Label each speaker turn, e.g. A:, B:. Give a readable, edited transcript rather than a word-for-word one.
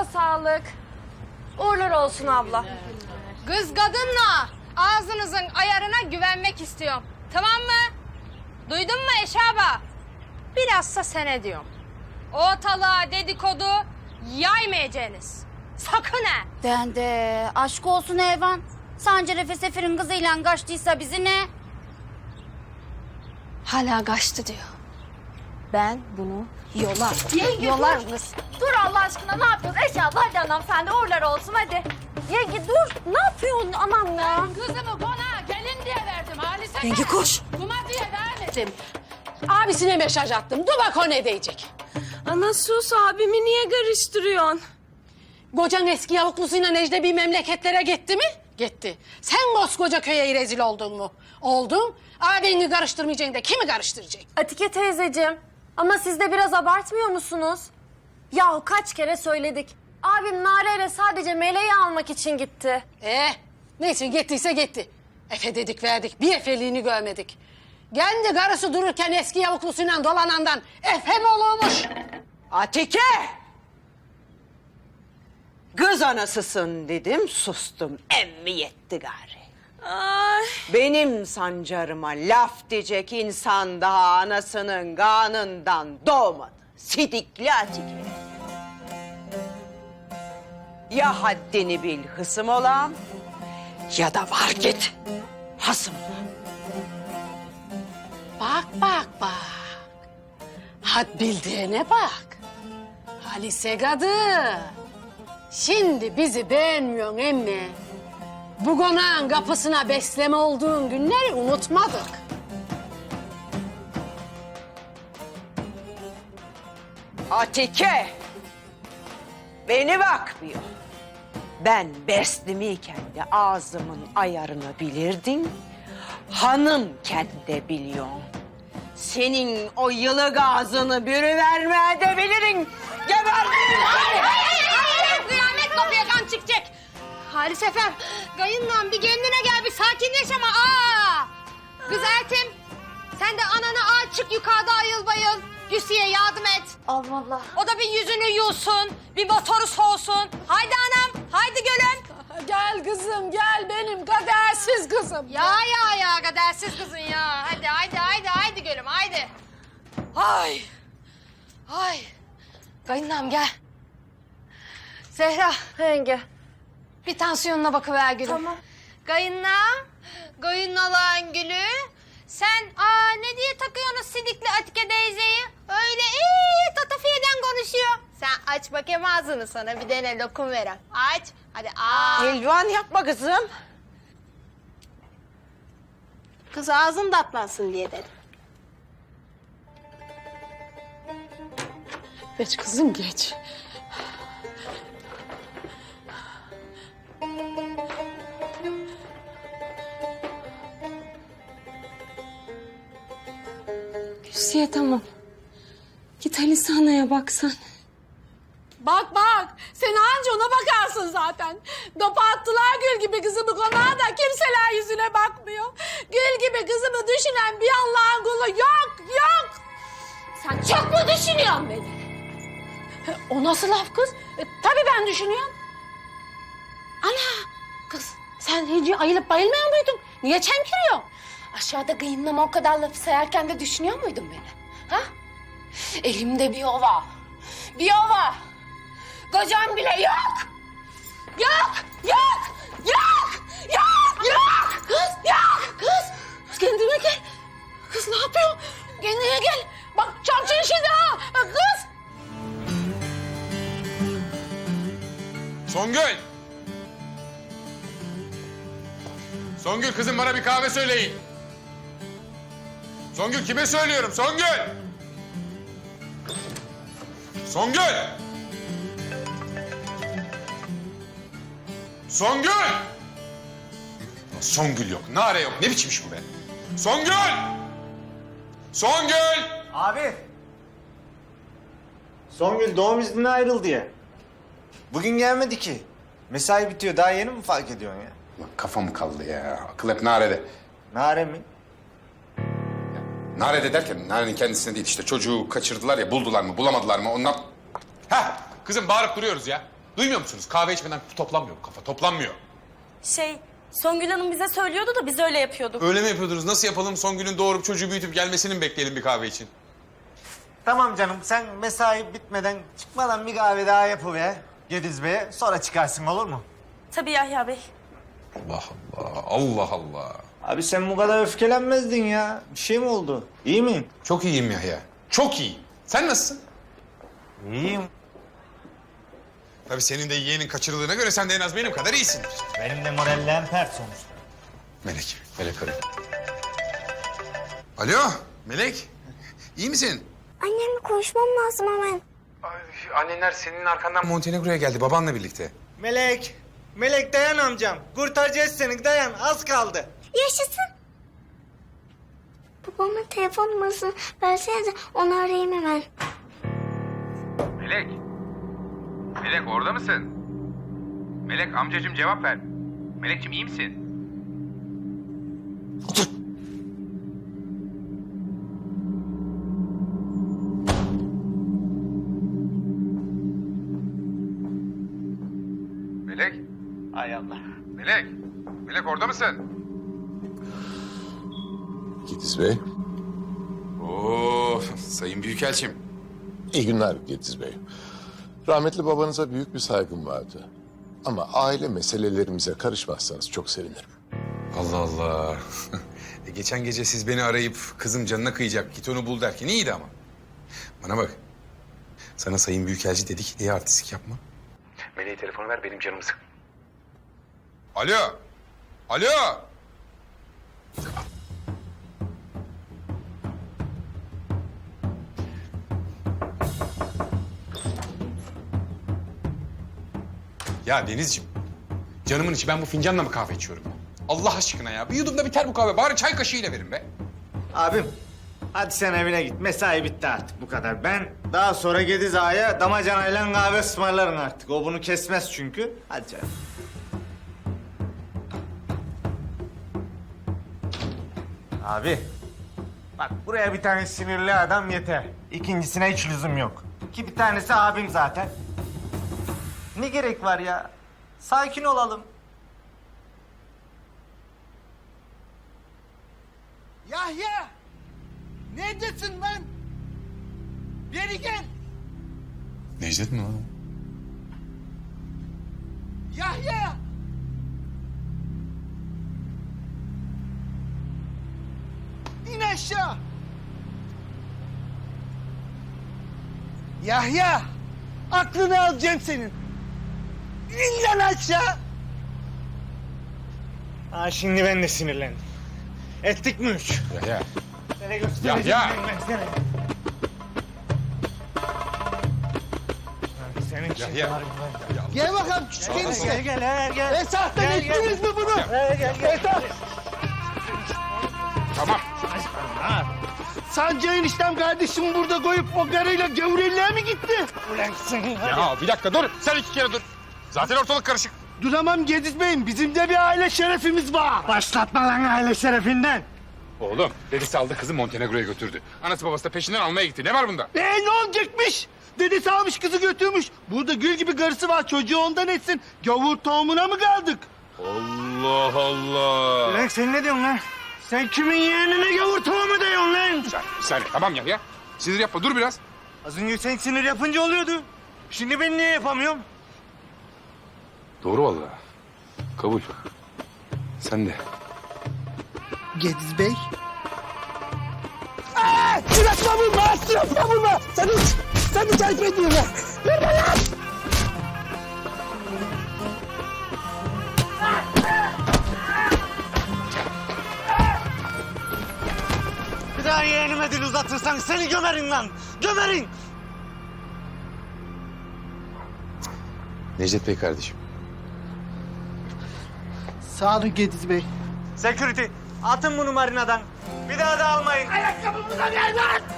A: sağlık. Uğurlar olsun abla.
B: Kız kadınla ağzınızın ayarına güvenmek istiyorum. Tamam mı? Duydun mu Eşaba? Bilhassa sene diyorum. Ortalığa dedikodu yaymayacaksınız. Sakın ha!
C: Den de aşk olsun Evan. Sancarefe Sefir'in kızıyla kaçtıysa bizi ne?
B: Hala kaçtı diyor. Ben bunu yolar.
A: Yolar kız. Dur Allah aşkına ne yapıyorsun? Eşabla hadi anam sen de uğurlar olsun hadi. Yenge dur. Ne yapıyorsun anam ya?
D: Kızımı konağa gelin diye verdim Halise.
E: Yenge koş.
D: Kuma diye vermedim. Abisine mesaj attım. Dur bak o ne diyecek.
A: Ana sus abimi niye karıştırıyorsun?
D: Kocan eski yavuklusuyla Necde bir memleketlere gitti mi? Gitti. Sen koskoca köye rezil oldun mu? Oldun. Abini karıştırmayacaksın da kimi karıştıracak?
A: Atike teyzeciğim ama siz de biraz abartmıyor musunuz? Yahu kaç kere söyledik. Abim Nare'yle sadece meleği almak için gitti.
D: Neyse gittiyse gitti. Efe dedik verdik. Bir efeliğini görmedik. Kendi karısı dururken eski yavuklusuyla dolanandan Efe mi olurmuş?
E: Atike! Kız anasısın dedim, sustum. Emmi yetti gari.
A: Ay.
E: Benim sancarıma laf diyecek insan daha anasının kanından doğmadı. Sidikli Atike. Ya haddini bil hısım olam ya da var git hasım olam.
D: Bak. Had bildiğine bak. Halise kadı. Şimdi bizi beğenmiyorsun emmi. Bu konağın kapısına besleme olduğun günleri unutmadık.
E: Atike, beni bakmıyor. Ben beslimiyken de ağzımın ayarını bilirdin. Hanımken de biliyorsun. Senin o yılık ağzını bürüvermeye de bilirim. Geberdin.
B: Kıyamet kapıya kan çıkacak. Halis efem, kayınlan bir kendine gel, bir sakinleş ama. Kız Eltim, sen de anana al çık yukarıda ayıl bayıl. Güsiye yardım et.
A: Allah.
B: O da bir yüzünü yusun, bir motoru soğusun. Haydi anam, haydi gülüm.
D: Gel kızım gel benim kadersiz kızım.
B: Ya kadersiz kızın ya. Haydi gülüm haydi. Ay. Kayınlam gel. Zehra,
A: Yenge.
B: bir tansiyonuna bakıver gülüm.
A: Tamam.
B: Kayınnalan gülü. Sen ne diye takıyorsunuz sidikli Atike teyzeyi? Öyle tatafiyeden konuşuyor. Sen aç bakayım ağzını, sana bir tane lokum verem. Aç, hadi
E: Elvan yapma kızım.
B: Kız ağzın tatlansın diye dedim.
D: Geç kızım geç.
F: Hüsiye tamam. Git Halise Ana'ya baksan.
D: Bak sen anca ona bakarsın zaten. Dopa attılar gül gibi kızımı konağa da kimseler yüzüne bakmıyor. Gül gibi kızımı düşünen bir Allah'ın kulu yok.
B: Sen çok mu düşünüyorsun beni?
D: O nasıl laf kız? Tabii ben düşünüyorum. Ana kız sen hiç ayılıp bayılmıyor muydun? Niye çemkiriyorsun?
F: Aşağıda kıyımlama o kadar lafı sayarken de düşünüyor muydun beni? Ha? Elimde bir ova. Kocam bile yok.
D: Kız kendine gel. Kız ne yapıyorsun? Kendine gel. Bak çarpçın şimdi ha. Kız.
G: Songül! Songül kızım bana bir kahve söyleyin. Songül kime söylüyorum? Songül! Songül! Songül! Songül yok, Nare yok. Ne biçim iş bu be? Songül! Songül!
H: Abi. Songül doğum iznine ayrıldı ya. Bugün gelmedi ki. Mesai bitiyor. Daha yeni mi fark ediyorsun ya?
G: Lan kafam kaldı ya. Akıl hep Nare'de.
H: Nare mi?
G: Nare'de derken Nare'nin kendisine değil işte. Çocuğu kaçırdılar ya, buldular mı bulamadılar mı ondan... Heh kızım bağırıp duruyoruz ya. Duymuyor musunuz? Kahve içmeden toplanmıyor bu kafa, toplanmıyor.
I: Songül Hanım bize söylüyordu da biz öyle yapıyorduk.
G: Öyle mi yapıyordunuz? Nasıl yapalım? Songül'ün doğurup çocuğu büyütüp gelmesini mi bekleyelim bir kahve için?
H: Tamam canım sen mesai bitmeden çıkmadan bir kahve daha yapıver Gediz Bey'e. Sonra çıkarsın olur mu?
I: Tabii Yahya Bey.
G: Allah Allah, Allah Allah.
H: Abi sen bu kadar öfkelenmezdin ya. Bir şey mi oldu? İyi mi?
G: Çok iyiyim Yahya, çok iyi. Sen nasılsın?
H: İyiyim.
G: Tabii senin de yeğenin kaçırıldığına göre sen de en az benim kadar iyisindir.
H: Benim de morallerim pert sonuçta.
G: Melek arıyor. Alo, Melek. İyi misin?
A: Annemle konuşmam lazım hemen.
G: Annenler senin arkandan Montenegro'ya geldi babanla birlikte.
H: Melek dayan amcam. Kurtaracağız seni dayan az kaldı.
A: Yaşasın. Babamın telefon numarasını versenize onu arayayım hemen.
J: Melek. Melek orada mısın? Melek amcacığım cevap ver. Melekciğim iyi misin? Melek.
H: Hay Allah.
J: Melek. Melek orada mısın?
K: Gediz Bey.
G: Oo, sayın büyükelçim.
K: İyi günler Gediz Bey. Rahmetli babanıza büyük bir saygım vardı. Ama aile meselelerimize karışmazsanız çok sevinirim.
G: Allah Allah. Geçen gece siz beni arayıp kızım canına kıyacak git onu bul derken iyiydi ama. Bana bak. Sana sayın büyükelçi dedik diye artistik yapma. Meleğe telefonu ver benim canımı sık. Alo. Alo. Ya Denizciğim, canımın içi ben bu fincanla mı kahve içiyorum? Allah aşkına ya, bir yudumda biter bu kahve. Bari çay kaşığıyla verin be.
H: Abim hadi sen evine git. Mesai bitti artık bu kadar. Ben daha sonra Gediz Ağa'ya damacanayla kahve ısmarlarım artık. O bunu kesmez çünkü. Hadi canım. Abi bak buraya bir tane sinirli adam yeter. İkincisine hiç lüzum yok. Ki bir tanesi abim zaten. Ne gerek var ya? Sakin olalım.
L: Yahya! Neredesin lan? Beri gel!
G: Necdet mi lan?
L: Yahya! İn aşağı! Yahya! Aklını alacağım senin! İn lan aşağı!
H: Ha şimdi ben de sinirlendim. Ettik mi üç?
G: Ya.
H: Sana göstereceğim
G: Ya.
H: ben sana. Abi senin için
G: Ya.
H: var mı?
L: Gel bakalım küçük enişte.
H: Gel.
L: Esah'tan ettiniz mi bunu?
H: Gel.
G: Tamam.
L: Sancı eniştem kardeşimi burada koyup o karıyla gavurelliğe mi gitti?
H: Ulan sen
G: Ya bir dakika dur. Sen iki kere dur. Zaten ortalık karışık.
L: Duramam Gediz Bey'im. Bizim de bir aile şerefimiz var.
H: Başlatma lan aile şerefinden.
G: Oğlum, dedesi aldı kızı Montenegro'ya götürdü. Anası babası da peşinden almaya gitti. Ne var bunda?
L: Ne olacakmış? Dedesi almış kızı götürmüş. Burada gül gibi karısı var. Çocuğu ondan etsin. Gavur tohumuna mı kaldık?
G: Allah Allah.
H: Ulan sen ne diyorsun lan? Sen kimin yeğenine gavur tohumu diyorsun lan?
G: Bir saniye. Tamam ya. Sinir yapma. Dur biraz.
H: Az önce sen sinir yapınca oluyordu. Şimdi ben niye yapamıyorum?
G: Doğru vallahi. Kabul. Sen de.
L: Gediz Bey. Suratma vurma! Suratma vurma! Sen mi takip ediyorsun? Vurma lan!
H: Bir daha yeğenime dil uzatırsan seni gömerin lan. Gömerin.
G: Necdet Bey kardeşim.
L: Sağ olun Gediz Bey.
H: Security atın bunu marinadan. Bir daha da almayın.
L: Ayakkabımıza gel lan!